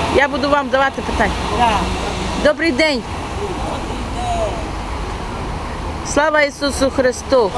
Я буду вам давати питання. Так. Добрий день. Слава Ісусу Христу.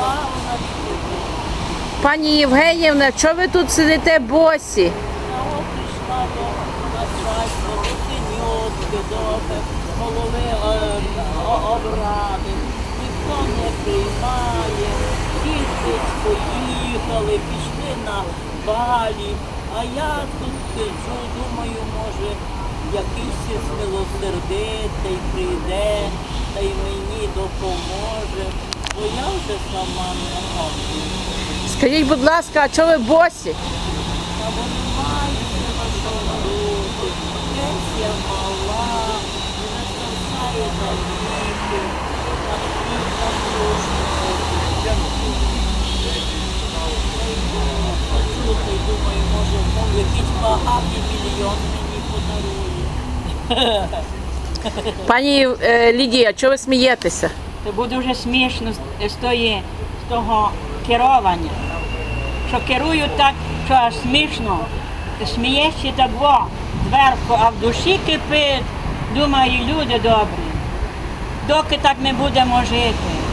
Пані Євгенівна, чого ви тут сидите босі? Я прийшла до начальства, до синьотки, до голови обради. Ніхто не приймає. Діти поїхали, пішли на балі. А я тут сиджу, думаю, може, якийсь змилосердитий прийде, та й мені допоможе. Бо я вже сама не можу. Скажіть, будь ласка, а чого ви босі? Та бо немає на що робити. Пенсія мала, не стачає на ліки, на хліб насущний. Чути, думаю, може, якийсь багатий мільйон мені подарує. Пані Лідія, чого ви смієтеся? То буде вже смішно з того керування. Що керують так, що аж смішно. Смієшся так зверху, а в душі кипить. Думаю, люди добрі. Доки так ми будемо жити.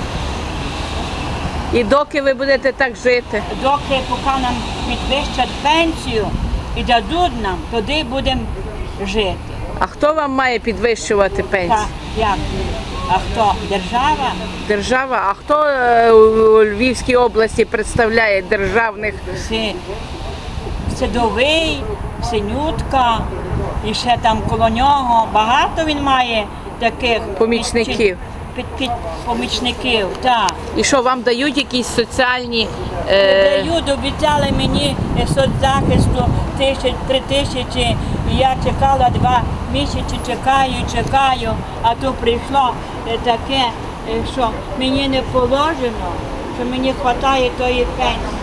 І доки ви будете так жити? Доки поки нам підвищать пенсію і дадуть нам, тоді будемо жити. А хто вам має підвищувати Так, пенсію? як? А хто? Держава? Держава. А хто у Львівській області представляє державних? Садовий, Синютка, і ще там коло нього. Багато він має таких Помічників. Помічників, так. І що, вам дають якісь соціальні... Дають, обіцяли мені соцзахисту 3 тисячі, і я чекала 2 місяці, чекаю, а тут прийшло таке, що мені не положено, що мені вистачає тої пенсії.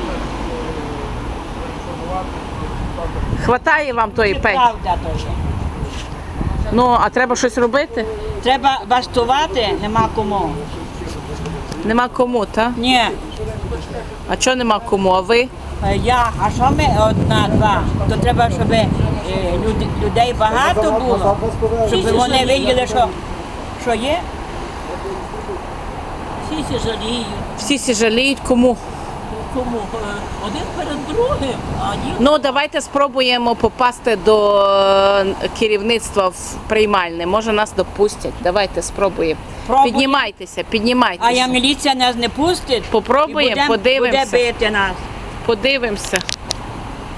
Хватає вам тої Це пенсії? правда теж. Ну, а треба щось робити? Треба бастувати, нема кому. Нема кому, так? Ні, А чого нема кому? А ви? а що ми 1-2? То треба, щоб людей багато було, щоб вони виділи, що є. Всі жаліють. Всі сі жаліють кому? Кому? Один перед другим, а ні. Ну, давайте спробуємо попасти до керівництва в приймальне. Може, нас допустять. Давайте спробуємо. Пробуємо. Піднімайтеся. А я міліція нас не пустить. Попробуємо, і буде подивимося. бити нас. Подивимося.